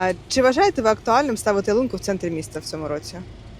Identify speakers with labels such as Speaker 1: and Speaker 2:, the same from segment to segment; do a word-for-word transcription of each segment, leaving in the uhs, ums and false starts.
Speaker 1: А чи вважаєте ви актуальним ставити ялинку в центрі міста в цьому році?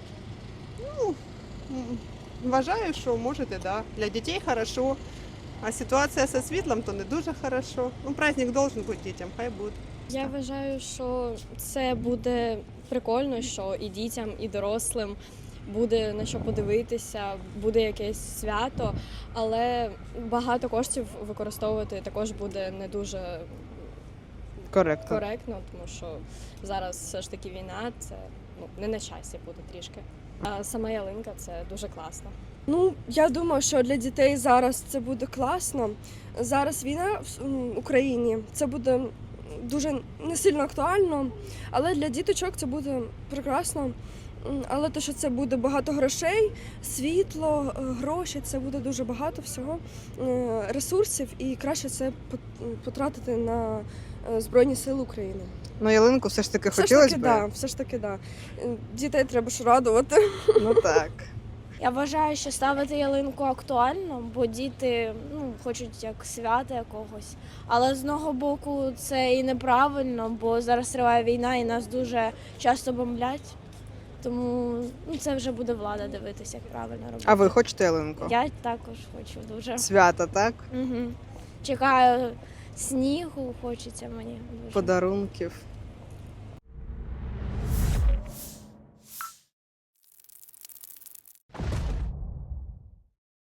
Speaker 2: М, Вважаю, що можете, да. Для дітей хорошо. А ситуація зі світлом то не дуже хорошо. Ну, праздник должен бути дітям, хай буде.
Speaker 3: Я вважаю, що це буде прикольно, що і дітям, і дорослим буде на що подивитися, буде якесь свято, але багато коштів використовувати також буде не дуже
Speaker 1: Коректно.
Speaker 3: коректно, тому що зараз все ж таки війна, це ну, не на часі буде трішки. А сама ялинка це дуже класно.
Speaker 4: Ну, я думаю, що для дітей зараз це буде класно. Зараз війна в м, Україні, це буде дуже не сильно актуально, але для діточок це буде прекрасно. М, Але те, що це буде багато грошей, світло, е, гроші, це буде дуже багато всього е, ресурсів, і краще це пот- потратити на е, Збройні Сили України.
Speaker 1: Ну, ялинку все ж таки
Speaker 4: Все ж
Speaker 1: хотілося
Speaker 4: таки,
Speaker 1: б.
Speaker 4: да, все ж таки, да. Е, Дітей треба ж радувати.
Speaker 1: Ну так.
Speaker 5: Я вважаю, що ставити ялинку актуально, бо діти ну, хочуть як свята якогось. Але з одного боку це і неправильно, бо зараз триває війна і нас дуже часто бомблять. Тому ну, це вже буде влада дивитися, як правильно робити.
Speaker 1: А ви хочете ялинку?
Speaker 5: Я також хочу дуже.
Speaker 1: Свята, так?
Speaker 5: Угу. Чекаю снігу, хочеться мені дуже.
Speaker 1: Подарунків.